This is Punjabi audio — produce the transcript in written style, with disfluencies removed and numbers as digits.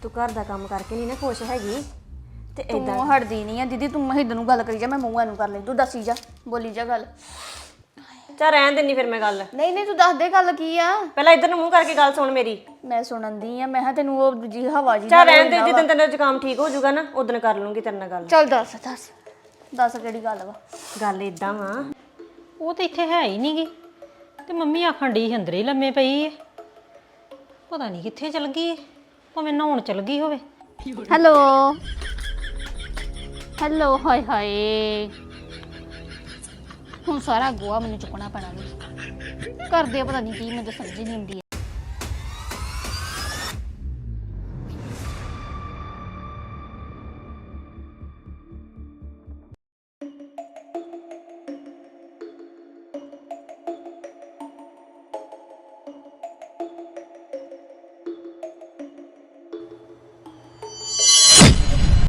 ਤੂੰ ਘਰ ਦਾ ਕੰਮ ਕਰਕੇ ਨਹੀਂ ਨਾ ਖੁਸ਼ ਹੈਗੀ ਤੇ ਤੂੰ ਏਦਾਂ ਹਟਦੀ ਨਹੀਂ ਆ ਦੀਦੀ। ਤੂੰ ਮਹਿਦ ਨੂੰ ਗੱਲ ਕਰੀ ਜਾ, ਮੈਂ ਮੂੰਹਾਂ ਨੂੰ ਕਰ ਲਈ। ਤੂੰ ਦੱਸੀ ਜਾ, ਬੋਲੀ ਜਾ ਗੱਲ। ਚੱਲ ਰਹਿਣ ਦਿੰਨੀ ਫਿਰ ਮੈਂ ਗੱਲ। ਨਹੀਂ ਨਹੀਂ, ਤੂੰ ਦੱਸ ਦੇ ਗੱਲ ਕੀ ਆ। ਪਹਿਲਾਂ ਇੱਧਰ ਨੂੰ ਮੂੰਹ ਕਰਕੇ ਗੱਲ ਸੁਣ ਮੇਰੀ। ਮੈਂ ਸੁਣਨ ਦੀ ਆ। ਮੈਂ ਕਿਹਾ ਤੈਨੂੰ ਉਹ ਦੂਜੀ ਹਵਾ ਜੀ ਚੱਲ ਰਹਿਣ ਦੇ, ਜਿੱਦਣ ਤੇਰਾ ਜ਼ੁਕਾਮ ਠੀਕ ਹੋ ਜਾਊਗਾ ਨਾ ਉਦੋਂ ਕਰ ਲੂੰਗੀ ਤੇਰੇ ਨਾਲ ਗੱਲ। ਚੱਲ ਦੱਸ ਦੱਸ ਦੱਸ ਕਿਹੜੀ ਗੱਲ ਵਾ। ਗੱਲ ਇਦਾਂ ਵਾ, ਉਹ ਤਾਂ ਇੱਥੇ ਹੈ ਹੀ ਨਹੀਂਗੀ ਤੇ ਮੰਮੀ ਆਖਣ ਡਈ ਸੀ ਅੰਦਰ ਹੀ ਲੰਮੇ ਪਈ ਏ। ਪਤਾ ਨਹੀਂ ਕਿੱਥੇ ਚਲ ਗਈ ਏ, ਭਾਵੇਂ ਨਹਾਉਣ ਚਲ ਗਈ ਹੋਵੇ। Hello hello. ਹਾਏ ਹਾਏ, ਹੁਣ ਸਾਰਾ ਗੋਆ ਮੈਨੂੰ ਚੁੱਕਣਾ ਪੈਣਾ। ਵੀ ਕਰਦੇ ਪਤਾ ਨਹੀਂ ਕੀ, ਮੈਨੂੰ ਤਾਂ ਸਮਝ ਨਹੀਂ ਆਉਂਦੀ।